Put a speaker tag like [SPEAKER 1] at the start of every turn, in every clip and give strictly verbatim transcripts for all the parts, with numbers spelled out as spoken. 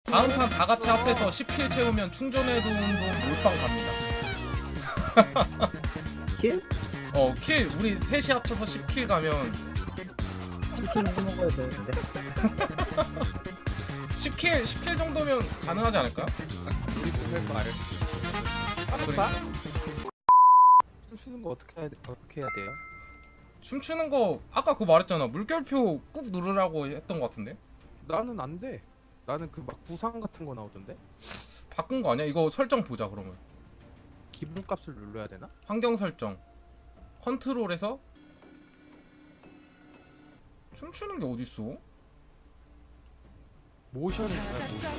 [SPEAKER 1] 다음 판 다 같이 합해서 십 킬 채우면 충전해둔 돈 몰빵 갑니다.
[SPEAKER 2] 킬?
[SPEAKER 1] 어, 킬 우리 셋이 합쳐서 십 킬 가면
[SPEAKER 2] 치킨 해 먹어야 되는데.
[SPEAKER 1] 십 킬 십 킬 정도면 가능하지 않을까?
[SPEAKER 3] 우리 못할 거 알을.
[SPEAKER 1] 그러니까.
[SPEAKER 3] 춤추는 거 어떻게 해야 돼? 어떻게 해야 돼요?
[SPEAKER 1] 춤추는 거 아까 그거 말했잖아. 물결표 꾹 누르라고 했던 거 같은데?
[SPEAKER 3] 나는 안 돼. 나는 그 막 구상 같은 거 나오던데.
[SPEAKER 1] 바꾼 거 아니야? 이거 설정 보자 그러면.
[SPEAKER 3] 기본값을 눌러야 되나?
[SPEAKER 1] 환경 설정 컨트롤에서 춤추는 게 어딨어?
[SPEAKER 3] 모션이 뭐야? 모션.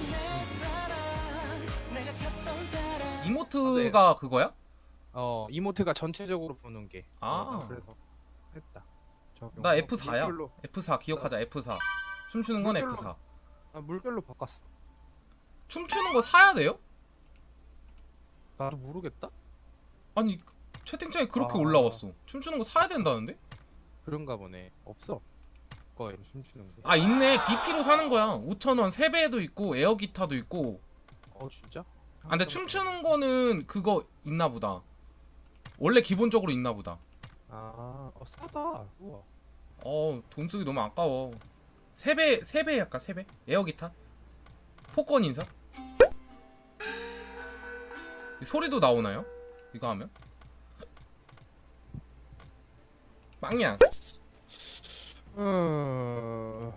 [SPEAKER 1] 이모트가 그거야?
[SPEAKER 3] 어 이모트가 전체적으로 보는 게.
[SPEAKER 1] 아.
[SPEAKER 3] 어, 그래서 했다. 적용.
[SPEAKER 1] 나
[SPEAKER 3] 어,
[SPEAKER 1] 에프 사야.
[SPEAKER 3] 물결로.
[SPEAKER 1] 에프 사 기억하자. 에프 사. 춤추는 건
[SPEAKER 3] 물결로.
[SPEAKER 1] 에프 사.
[SPEAKER 3] 아 물결로 바꿨어.
[SPEAKER 1] 춤추는 거 사야 돼요?
[SPEAKER 3] 나도 모르겠다.
[SPEAKER 1] 아니 채팅창에 그렇게
[SPEAKER 3] 아.
[SPEAKER 1] 올라왔어. 춤추는 거 사야 된다는데?
[SPEAKER 3] 그런가 보네. 없어. 거에 춤추는 게.
[SPEAKER 1] 아 있네. 비피로 사는 거야. 오천 원 세배도 있고 에어 기타도 있고.
[SPEAKER 3] 어 진짜?
[SPEAKER 1] 아 근데 춤추는 거는 그거 있나 보다. 원래 기본적으로 있나 보다.
[SPEAKER 3] 아, 어, 싸다. 우와.
[SPEAKER 1] 어, 돈 쓰기 너무 아까워. 세 배, 세 배 할까? 세 배? 에어 기타? 폭권 인사? 이 소리도 나오나요? 이거 하면? 빵야.
[SPEAKER 3] 어...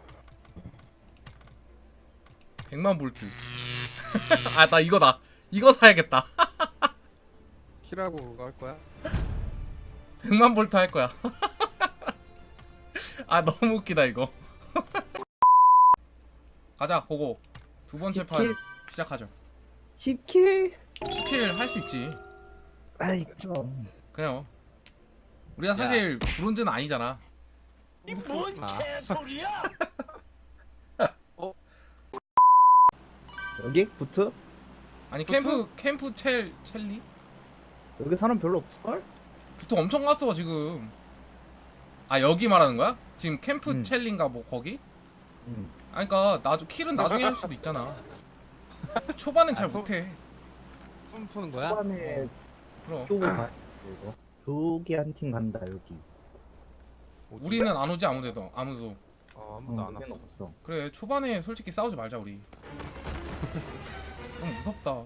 [SPEAKER 1] 백만 볼트. 아, 나 이거다. 이거 사야겠다.
[SPEAKER 3] 키라고 그거 할 거야?
[SPEAKER 1] 백만 볼트 할 거야. 아, 너무 웃기다 이거. 가자, 고고. 두 번째 판
[SPEAKER 2] 십 킬?
[SPEAKER 1] 시작하죠.
[SPEAKER 2] 십 킬?
[SPEAKER 1] 십 킬 할 수 있지.
[SPEAKER 2] 아이 좀.
[SPEAKER 1] 그래요. 우리가 사실 브론즈는 아니잖아.
[SPEAKER 3] 이뭔 개소리야?
[SPEAKER 2] 여기? 부트?
[SPEAKER 1] 아니
[SPEAKER 3] 부트?
[SPEAKER 1] 캠프 캠프 첼 첼리?
[SPEAKER 2] 여기 사람 별로 없을걸?
[SPEAKER 1] 부터 엄청 갔어 지금. 아 여기 말하는 거야? 지금 캠프
[SPEAKER 2] 음.
[SPEAKER 1] 첼리인가 뭐 거기?
[SPEAKER 2] 응.
[SPEAKER 1] 아니 그니까 나도 킬은 나중에 할 수도 있잖아. 초반엔 잘
[SPEAKER 3] 아, 소-
[SPEAKER 1] 못해.
[SPEAKER 3] 손 푸는 거야?
[SPEAKER 2] 초반에
[SPEAKER 1] 그럼
[SPEAKER 2] 쪽을 가. 이거. 여기 한 팀 간다 여기.
[SPEAKER 3] 어디?
[SPEAKER 1] 우리는 안 오지 아무데도 아무도.
[SPEAKER 3] 어 아무도
[SPEAKER 2] 어,
[SPEAKER 3] 안
[SPEAKER 2] 여긴
[SPEAKER 3] 왔어.
[SPEAKER 2] 없어.
[SPEAKER 1] 그래 초반에 솔직히 싸우지 말자 우리. 너무 무섭다.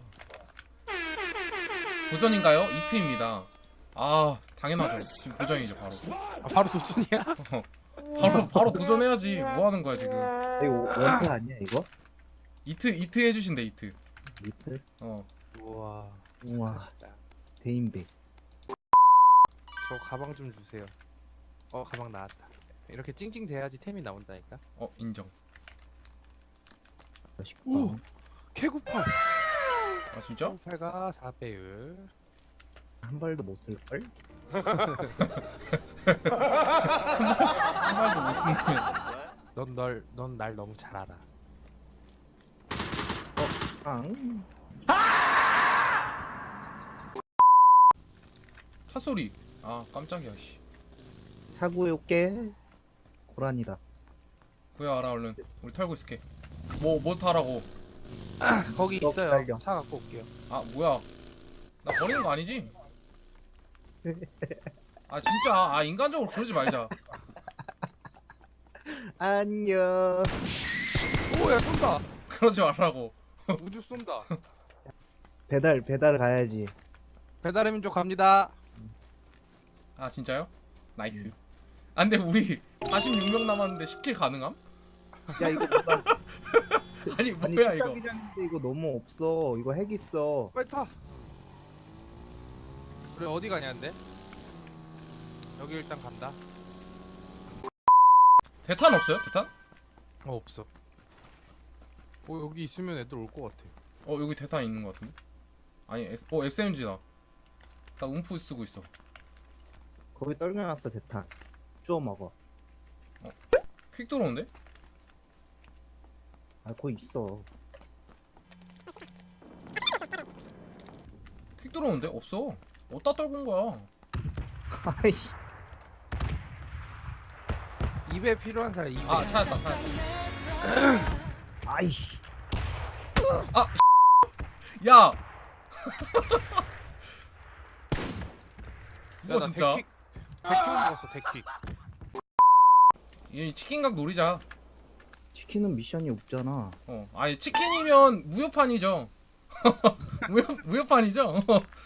[SPEAKER 1] 도전인가요? 이트입니다. 아 당연하죠. 지금 도전이죠 바로.
[SPEAKER 3] 아, 바로 도준이야?
[SPEAKER 1] 바로 바로 도전해야지. 뭐 하는 거야 지금?
[SPEAKER 2] 이거 원타 아니야 이거?
[SPEAKER 1] 이트 이트 해주신대 이트.
[SPEAKER 2] 리틀?
[SPEAKER 1] 어.
[SPEAKER 3] 우와.
[SPEAKER 2] 우와.
[SPEAKER 3] 맛있다.
[SPEAKER 2] 대인배.
[SPEAKER 3] 저 가방 좀 주세요. 어 가방 나왔다. 이렇게 찡찡 대야지 템이 나온다니까.
[SPEAKER 1] 어 인정.
[SPEAKER 2] 맛있다.
[SPEAKER 3] 오. 캐구팔.
[SPEAKER 1] 아 진짜?
[SPEAKER 3] 캐구팔가 사 배율.
[SPEAKER 2] 한 발도 못 쓸걸?
[SPEAKER 1] 한 발도 못 쓰면.
[SPEAKER 3] 넌널넌 날 너무 잘 알아.
[SPEAKER 2] 빵.
[SPEAKER 1] 차 소리. 아 깜짝이야 씨.
[SPEAKER 2] 차구에 올게. 고란이다.
[SPEAKER 1] 구야 알아 얼른. 우리 털고 있을게. 뭐 뭐 타라고?
[SPEAKER 3] 거기
[SPEAKER 2] 너
[SPEAKER 3] 있어요.
[SPEAKER 2] 달려.
[SPEAKER 3] 차 갖고 올게요.
[SPEAKER 1] 아 뭐야? 나 버리는 거 아니지? 아 진짜 아 인간적으로 그러지 말자.
[SPEAKER 2] 안녕.
[SPEAKER 3] 오야 쏜다.
[SPEAKER 1] 그러지 말라고.
[SPEAKER 3] 우주 쏜다.
[SPEAKER 2] 배달 배달 가야지.
[SPEAKER 3] 배달의 민족 갑니다.
[SPEAKER 1] 아 진짜요? 나이스. 아 근데 우리 사십육 명 남았는데 십 킬 가능함?
[SPEAKER 2] 야 이거 뭐야?
[SPEAKER 1] 아니
[SPEAKER 2] 아니
[SPEAKER 1] 뭐야 이거?
[SPEAKER 2] 식당이라는데 이거 너무 없어. 이거 핵 있어.
[SPEAKER 3] 빨리 타. 우리 어디 가냐는데? 여기 일단 간다.
[SPEAKER 1] 대탄 없어요? 대탄?
[SPEAKER 3] 어 없어. 어 여기 있으면 애들 올 것 같아.
[SPEAKER 1] 어 여기 대탄 있는 거 같은데? 아니 S, 어 에스엠지다. 나 움프 쓰고 있어.
[SPEAKER 2] 거기 떨겨놨어 대탄. 주워 먹어.
[SPEAKER 1] 퀵 들어오는데?
[SPEAKER 2] 아 거기 있어.
[SPEAKER 1] 퀵 들어오는데? 없어. 어디다 떨군 거야?
[SPEAKER 2] 아이씨.
[SPEAKER 3] 입에 필요한 사람 입에.
[SPEAKER 1] 아 찾았다 찾았다.
[SPEAKER 2] 아이씨.
[SPEAKER 1] 아, 야. 뭐
[SPEAKER 3] 나
[SPEAKER 1] 진짜?
[SPEAKER 3] 데킥 데킥 먹었어 데킥.
[SPEAKER 1] 이 치킨각 노리자.
[SPEAKER 2] 치킨은 미션이 없잖아.
[SPEAKER 1] 어, 아니 치킨이면 무효판이죠. 무효 무효판이죠.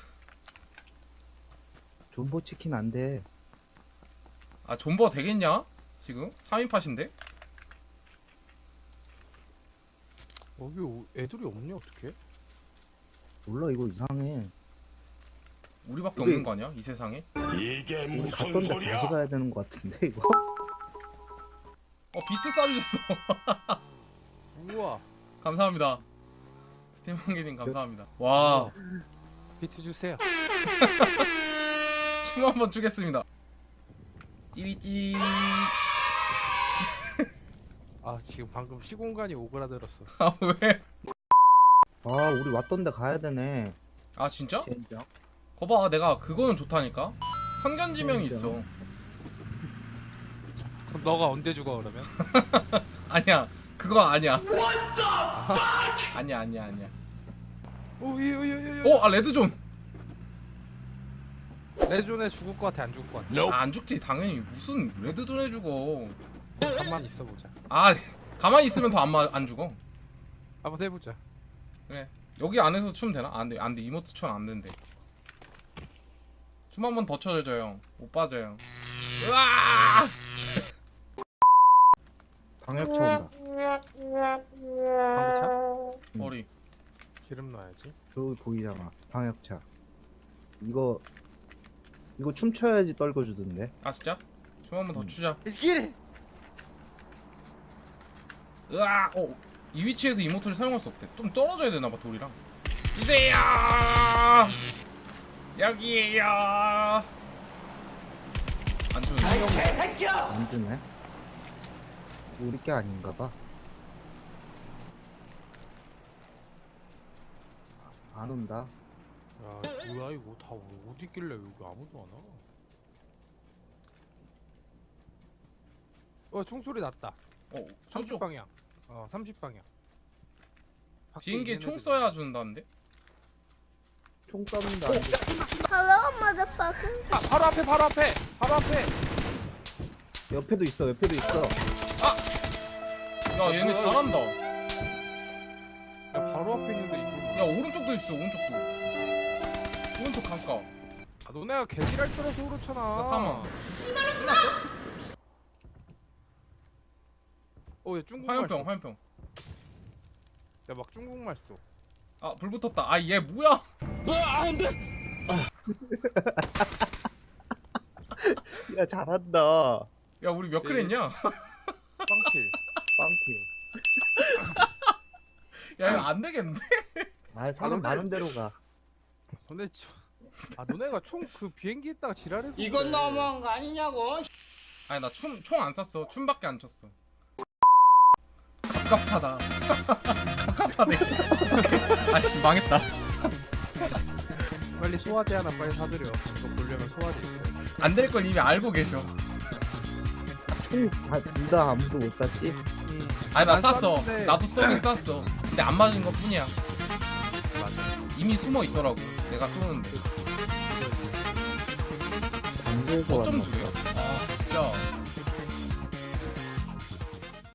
[SPEAKER 2] 존버 치킨 안 돼.
[SPEAKER 1] 아 존버 되겠냐? 지금 삼 인 팟인데?
[SPEAKER 3] 여기 오- 애들이 없냐 어떻게?
[SPEAKER 2] 몰라 이거 이상해.
[SPEAKER 1] 우리밖에
[SPEAKER 2] 우리-
[SPEAKER 1] 없는 거 아니야? 이 세상에?
[SPEAKER 4] 이게
[SPEAKER 2] 우리
[SPEAKER 4] 무슨
[SPEAKER 2] 갔던데
[SPEAKER 4] 소리야?
[SPEAKER 2] 다시 가야 되는 것 같은데 이거.
[SPEAKER 1] 어 비트 쏴주셨어.
[SPEAKER 3] 우와
[SPEAKER 1] 감사합니다. 스팀 한개님 감사합니다. 와,
[SPEAKER 3] 비트 주세요.
[SPEAKER 1] 춤 한번 추겠습니다. 찌릿찌릿.
[SPEAKER 3] 아 지금 방금 시공간이 오그라들었어.
[SPEAKER 1] 아 왜?
[SPEAKER 2] 아 우리 왔던데 가야 되네.
[SPEAKER 1] 아 진짜?
[SPEAKER 2] 젠장.
[SPEAKER 1] 거봐 내가 그거는 좋다니까. 선견지명이 있어.
[SPEAKER 3] 그럼 너가 언제 죽어 그러면?
[SPEAKER 1] 아니야 그거 아니야. 아니야 아니야 아니야.
[SPEAKER 3] 오이오이오이.
[SPEAKER 1] 어, 아 레드존.
[SPEAKER 3] 레존에 죽을 것 같아 안 죽을 것 같아?
[SPEAKER 1] 아, 안 죽지 당연히. 무슨 레드존에 죽어.
[SPEAKER 3] 가만히 있어보자.
[SPEAKER 1] 아 가만히 있으면 더 안 안 죽어.
[SPEAKER 3] 한번 해보자.
[SPEAKER 1] 그래 여기 안에서 춤 되나? 안돼 안돼 이모트 춤 안 된대. 춤 한 번 더 춰줘요. 못 빠져요. 으아!
[SPEAKER 2] 방역차 온다.
[SPEAKER 3] 방구차?
[SPEAKER 1] 머리.
[SPEAKER 3] 기름 넣어야지.
[SPEAKER 2] 저기 보이잖아. 방역차. 이거 이거 춤춰야지 떨궈주던데.
[SPEAKER 1] 아 진짜? 춤 한 번 더
[SPEAKER 2] 음.
[SPEAKER 1] 추자.
[SPEAKER 3] Let's get it.
[SPEAKER 1] 으아! 어, 이 위치에서 이모트를 사용할 수 없대. 좀 떨어져야 되나봐 돌이랑. 이세요! 여기에요. 안 주네.
[SPEAKER 2] 안 주네. 우리 게 아닌가 봐. 안 온다.
[SPEAKER 3] 야 뭐야 이거 다 어디 있길래 여기 아무도 안 와? 어 총소리 났다.
[SPEAKER 1] 어,
[SPEAKER 3] 삼십
[SPEAKER 1] 저쪽
[SPEAKER 3] 방향. 어 삼십 방향. 밖에
[SPEAKER 1] 비행기에
[SPEAKER 3] 있는
[SPEAKER 1] 총
[SPEAKER 3] 애들.
[SPEAKER 1] 쏴야 준다는데?
[SPEAKER 2] 총 쏘는데 안 돼.
[SPEAKER 5] Hello, motherfucker.
[SPEAKER 3] 아 바로 앞에 바로 앞에 바로 앞에.
[SPEAKER 2] 옆에도 있어. 옆에도 있어.
[SPEAKER 1] 야, 얘네 잘한다.
[SPEAKER 3] 야 바로 앞에 있는데 이거.
[SPEAKER 1] 야, 오른쪽도 있어. 오른쪽도. 오른쪽 강가.
[SPEAKER 3] 아 너네가 개지랄 떨어서 그렇잖아.
[SPEAKER 1] 나 사망.
[SPEAKER 3] 어얘 중국말
[SPEAKER 1] 화염병,
[SPEAKER 3] 써.
[SPEAKER 1] 화염병.
[SPEAKER 3] 야막 중국말 써.
[SPEAKER 1] 아, 불 붙었다. 아, 얘 뭐야?
[SPEAKER 2] 야 잘한다.
[SPEAKER 1] 야, 우리 몇 킬 했냐?
[SPEAKER 3] 빵킬.
[SPEAKER 2] 빵킬.
[SPEAKER 1] 야, 이거 안 되겠는데?
[SPEAKER 2] 아 사람
[SPEAKER 3] 너네
[SPEAKER 2] 많은 데로 가.
[SPEAKER 3] 너네 저... 아 너네가 총 그 비행기 있다가 지랄해서.
[SPEAKER 6] 이건
[SPEAKER 3] 그래.
[SPEAKER 6] 너무한 거 아니냐고.
[SPEAKER 1] 아니, 나 춤 총 안 쐈어. 춤밖에 안 췄어. 갑갑하다. 갑갑하네. 아씨, 망했다.
[SPEAKER 3] 빨리 소화제 하나 빨리 사드려. 이거 보려면 소화제 있어.
[SPEAKER 1] 안 될 걸 이미 알고 계셔.
[SPEAKER 2] 총다둘 다 아무도 못 쐈지.
[SPEAKER 3] 음.
[SPEAKER 1] 아니, 나
[SPEAKER 3] 난
[SPEAKER 1] 쐈어.
[SPEAKER 3] 쐈는데-
[SPEAKER 1] 나도 쏘긴 쐈어. 근데 안 맞은 것 뿐이야.
[SPEAKER 3] 맞아.
[SPEAKER 1] 이미 숨어 있더라고. 내가 쏘는데.
[SPEAKER 2] 반지에서
[SPEAKER 1] 어쩜
[SPEAKER 2] 왔나
[SPEAKER 1] 주래요? 아, 진짜.